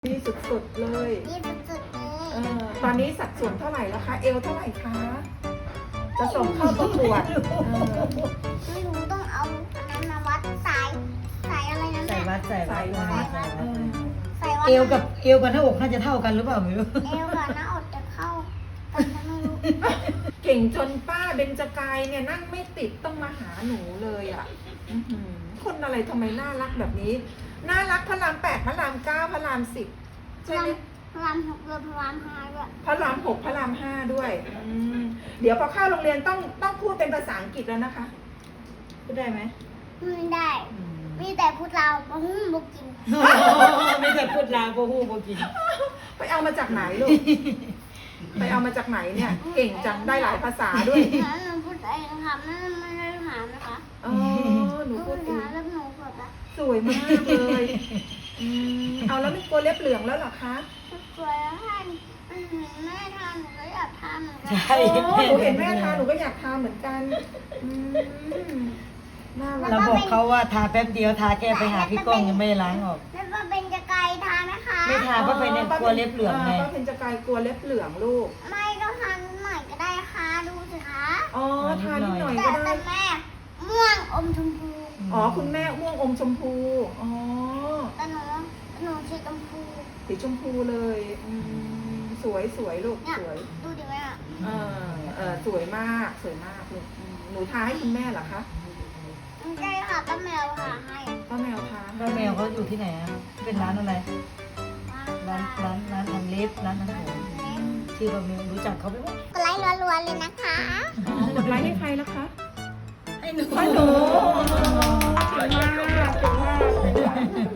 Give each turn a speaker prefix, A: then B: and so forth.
A: ดีสุดๆเลย
B: ดีสุดๆเลย
A: ตอนนี้สัดส่วนเท่าไหร่แล้วคะ เอวเท่าไหร่คะ จะส่งเข้าประกวด
B: ไม่รู้ต้องเอาอันนั้นมาวัดสายอะไรนะ
C: ใส่
B: แม่
C: วัดใส่วัด
B: สายวัด
C: เอวกับหน้าอกน่าจะเท่ากันหรือเปล่าไม่รู้
B: เอวกับหน้าอกจะเข้ากันฉันไม่รู้
A: เก่งจนป้าเบญจกายเนี่ยนั่งไม่ติดต้องมาหาหนูเลยอ่ะอื้อหือคนอะไรทำไมน่ารักแบบนี้ น่ารักพระราม8พระราม9พระราม10ใช่ไหม
B: พระราม6เรือพระราม5ด้วย
A: พระราม6พระราม5ด้วยเดี๋ยวพอเข้าโรงเรียนต้องพูดเป็นภาษาอังกฤษแล้วนะคะ พูดได้ไหม
B: ไม่ได้ มีแต่พูดเราวบ่ฮู้บ่กิน
C: ไม่ใช่พูดลาวโบฮู้โบกิน
A: ไปเอามาจากไหนลูก ไปเอามาจากไหนเนี่ย เก่งจังได้หลายภาษาด้วย
B: หนูพูดเองค่ะไม่ได้ถามนะคะ
A: อ๋อหนูพูดเอง
B: แล้วหนูเกิดอะ
A: สวยมากเลยเอาแล้วไม่กลัวเล็บเหลืองแล้วเหรอคะ
B: สวยแล้วท่านแม่ทานหนูก็อยากทานเหมือนกั
C: ใช่
A: โอ้หนูเห็นแม่ทาหนูก็อยากทาเหมือนกันน่ารั
C: เรา
A: ก
C: บอกเขาว่าทาแป๊บเดียวทาแก้ไปหาพี่ก้องยังไม่ได้ล้างออก
B: แล้วก็เป็นจะไกลทานไหมคะ
C: ไม่ทาเพราะเป็นกลัวเล็บเหลืองไง
A: ป้าเพญจกายกลัวเล็บเหลืองลูก
B: ไม่ก็ทานหน่อยก็ได้ค่ะดูสิคะ
A: อ๋อทานิดหน่อย
B: แต่
A: ก็ได้
B: แม่ม่วงอมชมพู
A: อ๋อคุณแม่ม่วงอมชมพูอ๋อ
B: แต่หนูสีชมพู
A: สีชมพูเลยสวยสวยลูก
B: เนี่ย
A: สวย
B: ดูดิแม่
A: สวยมากสวยมากลูกหนูทาให้คุณแม่เหรอคะ
B: ไม่ใช่ค่ะป้าแมวค่ะให้
A: ป้าแมวทา
C: แล้วแมวเขาอยู่ที่ไหนอะเป็นร้านอะไร ร้านทำเล็บร้านทำผมชื่อป้าแมวรู้จักเขาไหมวะ
B: กดไลค์รัวๆเลยนะคะ
A: กดไลค์ให้ใครล่ะคะ
C: ให้หนู
A: ให้หนูเก่งมากเก่งมาก